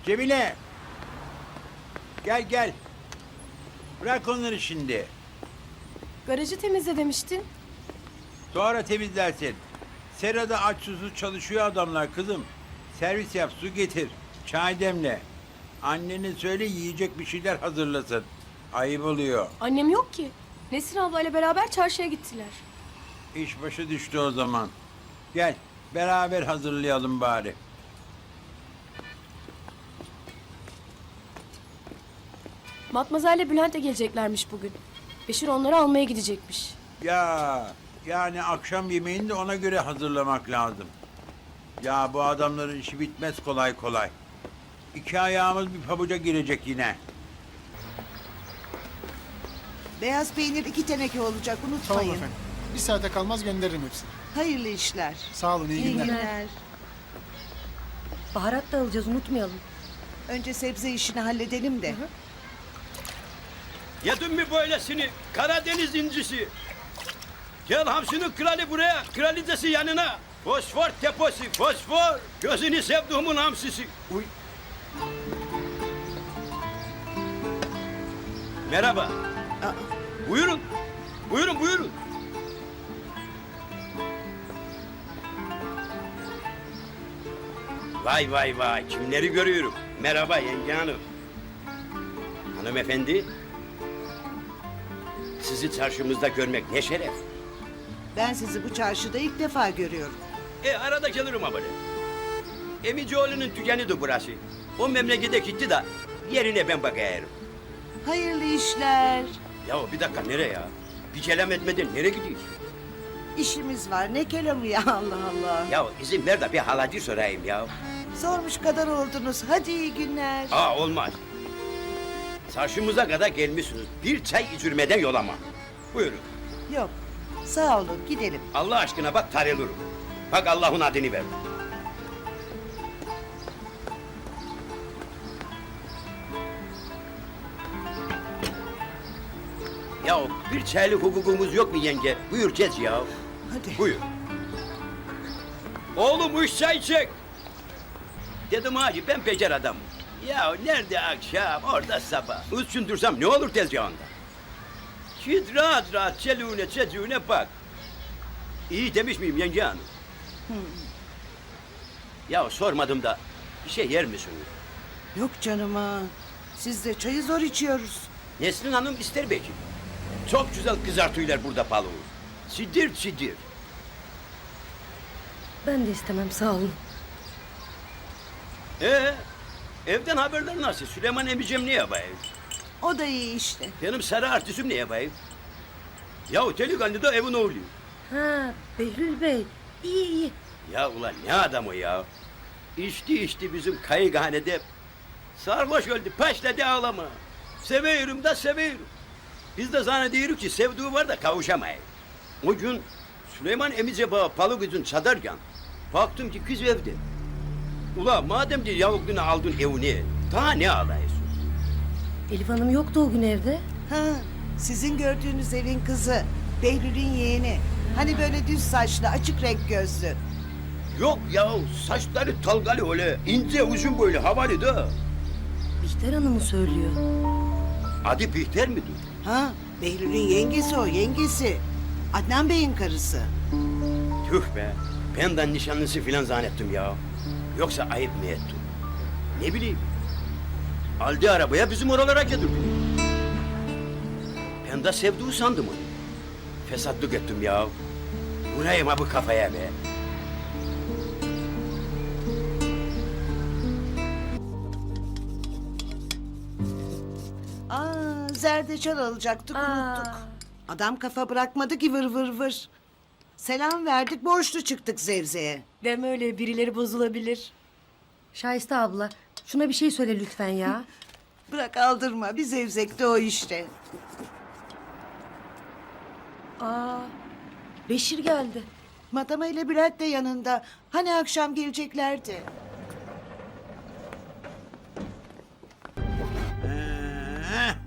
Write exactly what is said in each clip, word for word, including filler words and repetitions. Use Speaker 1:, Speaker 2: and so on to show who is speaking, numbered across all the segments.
Speaker 1: Cemile! Gel gel. Bırak onları şimdi.
Speaker 2: Garajı temizle demiştin.
Speaker 1: Sonra temizlersin. Serada aç susuz çalışıyor adamlar kızım. Servis yap, su getir. Çay demle. Annene söyle yiyecek bir şeyler hazırlasın. Ayıp oluyor.
Speaker 2: Annem yok ki. Nesrin ablayla beraber çarşıya gittiler.
Speaker 1: İş başı düştü o zaman. Gel, beraber hazırlayalım bari.
Speaker 2: Matmazel'le Bülent de geleceklermiş bugün. Beşir onları almaya gidecekmiş.
Speaker 1: Ya, yani akşam yemeğini de ona göre hazırlamak lazım. Ya bu adamların işi bitmez kolay kolay. İki ayağımız bir pabuca girecek yine.
Speaker 3: Beyaz peynir iki teneke olacak
Speaker 4: Tamam
Speaker 3: unutmayın.
Speaker 4: efendim. Bir saate kalmaz gönderirim hepsini.
Speaker 3: Hayırlı işler.
Speaker 4: Sağ olun, iyi,
Speaker 3: İyi
Speaker 4: günler.
Speaker 3: günler.
Speaker 5: Baharat da alacağız, unutmayalım.
Speaker 3: Önce sebze işini halledelim de.
Speaker 6: Yedin mi böylesini? Karadeniz incisi. Gel hamsinin kralı buraya, kraliçesi yanına. Fosfor deposu, fosfor. Gözünü sevduğumun hamsisi. Uy. Merhaba.
Speaker 3: Aa,
Speaker 6: Buyurun. Buyurun, buyurun. Vay vay vay, kimleri görüyorum. Merhaba yenge hanım. Hanımefendi. Sizi çarşımızda görmek ne şeref.
Speaker 3: ben sizi bu çarşıda ilk defa görüyorum.
Speaker 6: E arada gelirim ha böyle. Emicioğlu'nun tükenidir burası. O memlekete gitti de yerine ben bakayım.
Speaker 3: Hayırlı işler.
Speaker 6: Ya bir dakika nereye ya? Bir kelam etmeden nereye gidiyorsun?
Speaker 3: İşimiz var ne kelamı ya Allah Allah.
Speaker 6: Ya izin ver de bir halacı sorayım ya.
Speaker 3: Sormuş kadar oldunuz. Hadi iyi günler.
Speaker 6: Aa olmaz. Çarşımıza kadar gelmişsiniz. Bir çay içirmeden yolama. Buyurun.
Speaker 3: Yok. Sağ olun gidelim.
Speaker 6: Allah aşkına bak tarılırım. Bak Allah'ın adını ver. Ya bir çaylık hukukumuz yok mu yenge? Buyur geç ya.
Speaker 3: Hadi.
Speaker 6: Buyur. Oğlum üç çay çek. Dedim hacı ben becer adamım. Ya nerede akşam orada sabah. Üç dursam ne olur tezgahında. Git rahat rahat çeluğune çocuğuna bak. İyi demiş miyim yenge hanım? Ya sormadım da bir şey yer misin?
Speaker 3: Yok canıma. Siz de çayı zor içiyoruz.
Speaker 6: Nesrin Hanım ister belki. Çok güzel kızartıyorlar burada balığı. Sidir sidir.
Speaker 5: Ben de istemem, sağ olun.
Speaker 6: Ee, evden haberler nasıl? Süleyman emicim ne yapayım?
Speaker 3: O da iyi işte.
Speaker 6: Benim sarı artistim ne yapayım? Ya delikanlı da evin oğlu.
Speaker 5: Ha, Behlül Bey, iyi iyi.
Speaker 6: Ya ulan ne adam o ya? İçti içti bizim kayıkhanede. Sarhoş öldü, başladı ağlama. Seviyorum da seviyorum. Biz de zannediyoruz ki sevduğu var da kavuşamayız. O gün Süleyman emice bağı balık yüzün çadarken baktım ki kız evde. Ula madem ki yavukluğunu aldın evine, daha ne ağlayıyorsun?
Speaker 5: Elif Hanım yoktu o gün evde.
Speaker 3: Ha, sizin gördüğünüz evin kızı. Behlül'ün yeğeni. Hani böyle düz saçlı, açık renk gözlü.
Speaker 6: Yok ya saçları talgalı öyle, ince uzun böyle havalı da.
Speaker 5: Bihter Hanım'ı söylüyor.
Speaker 6: Adı Bihter midir?
Speaker 3: Ha, Behlül'ün yengesi o, yengesi. Adnan Bey'in karısı.
Speaker 6: Tüh be, benden nişanlısı filan zannettim ya. Yoksa ayıp mı ettim? Ne bileyim. Aldı arabaya bizim oralara getirdi. Ben de sevduğu sandım onu. Fesatlık ettim ya. Vurayım ha bu kafaya be.
Speaker 3: Aa, zerdeçal alacaktık,
Speaker 5: Aa.
Speaker 3: unuttuk. Adam kafa bırakmadı ki vır vır vır. Selam verdik, borçlu çıktık Zevze'ye.
Speaker 2: Deme öyle, birileri bozulabilir.
Speaker 5: Şahiste abla, şuna bir şey söyle lütfen ya.
Speaker 3: Bırak aldırma, bir zevzekte o işte.
Speaker 5: Aa, Beşir geldi.
Speaker 3: Madama ile Bülent de yanında. Hani akşam geleceklerdi.
Speaker 1: Ee,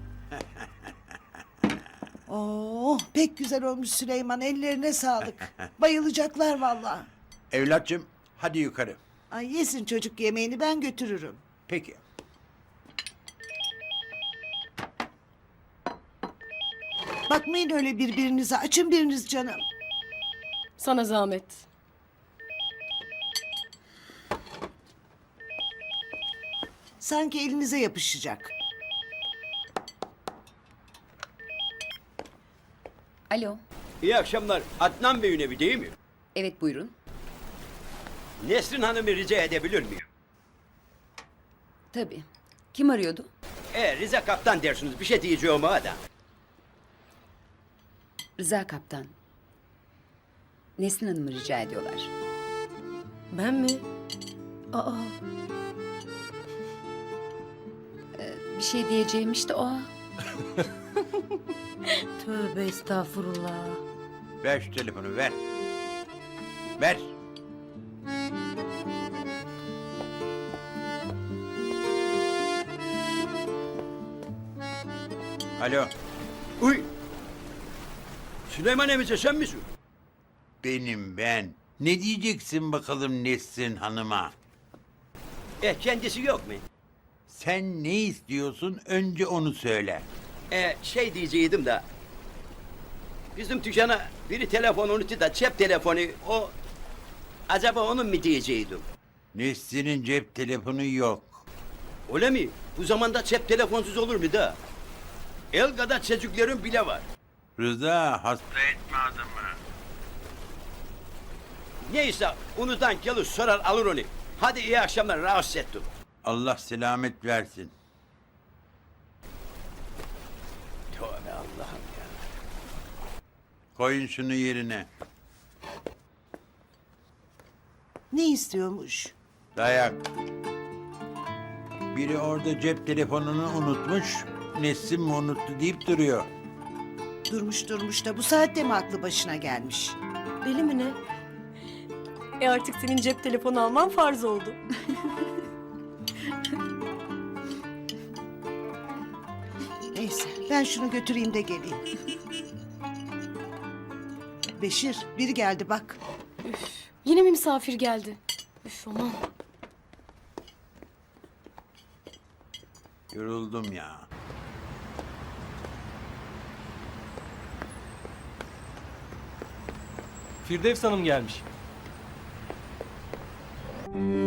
Speaker 3: Oo, pek güzel olmuş Süleyman, ellerine sağlık. Bayılacaklar vallahi.
Speaker 1: Evlatçım hadi yukarı.
Speaker 3: Ay yesin çocuk yemeğini, ben götürürüm.
Speaker 1: Peki.
Speaker 3: Bakmayın öyle birbirinize. Açın biriniz canım.
Speaker 2: Sana zahmet.
Speaker 3: Sanki elinize yapışacak.
Speaker 7: Alo.
Speaker 6: İyi akşamlar. Adnan Bey'in evi değil mi?
Speaker 7: Evet buyurun.
Speaker 6: Nesrin Hanım'ı rica edebilir miyim?
Speaker 7: Tabii. Kim arıyordu?
Speaker 6: E Rize Kaptan dersiniz. Bir şey diyeceğim ha da.
Speaker 7: Rıza Kaptan. Nesrin Hanım'ı rica ediyorlar.
Speaker 5: Ben mi? Aa,
Speaker 7: Bir şey diyeceğim işte o.
Speaker 5: tövbe estağfurullah.
Speaker 1: Ver şu telefonu ver. Ver. Alo,
Speaker 6: Uy! Süleyman emice sen misin?
Speaker 1: benim ben. Ne diyeceksin bakalım Nesrin Hanım'a?
Speaker 6: E kendisi yok mu?
Speaker 1: Sen ne istiyorsun önce onu söyle.
Speaker 6: E şey diyeceydim de. Bizim dükkana biri telefon unuttu da cep telefonu o. Acaba onun mu diyeceydim?
Speaker 1: Nesrin'in cep telefonu yok.
Speaker 6: Öyle mi? Bu zamanda cep telefonsuz olur mu da? El kadar çocukların bile var.
Speaker 1: Rıza hasta etme adamı.
Speaker 6: Neyse unutan gelir sorar alır onu. Hadi iyi akşamlar rahatsız ettim.
Speaker 1: Allah selamet versin.
Speaker 6: Tövbe Allah'ım ya.
Speaker 1: Koyun şunu yerine.
Speaker 3: Ne istiyormuş?
Speaker 1: Dayak. Biri orada cep telefonunu unutmuş. Nesrin mi unuttu deyip duruyor.
Speaker 3: Durmuş durmuş da bu saatte mi aklı başına gelmiş?
Speaker 5: Deli mi ne?
Speaker 2: E artık senin cep telefonu alman farz oldu.
Speaker 3: Neyse ben şunu götüreyim de geleyim. Beşir biri geldi bak.
Speaker 2: Yine mi misafir geldi? Üf aman.
Speaker 1: Yoruldum ya.
Speaker 8: Firdevs Hanım gelmiş.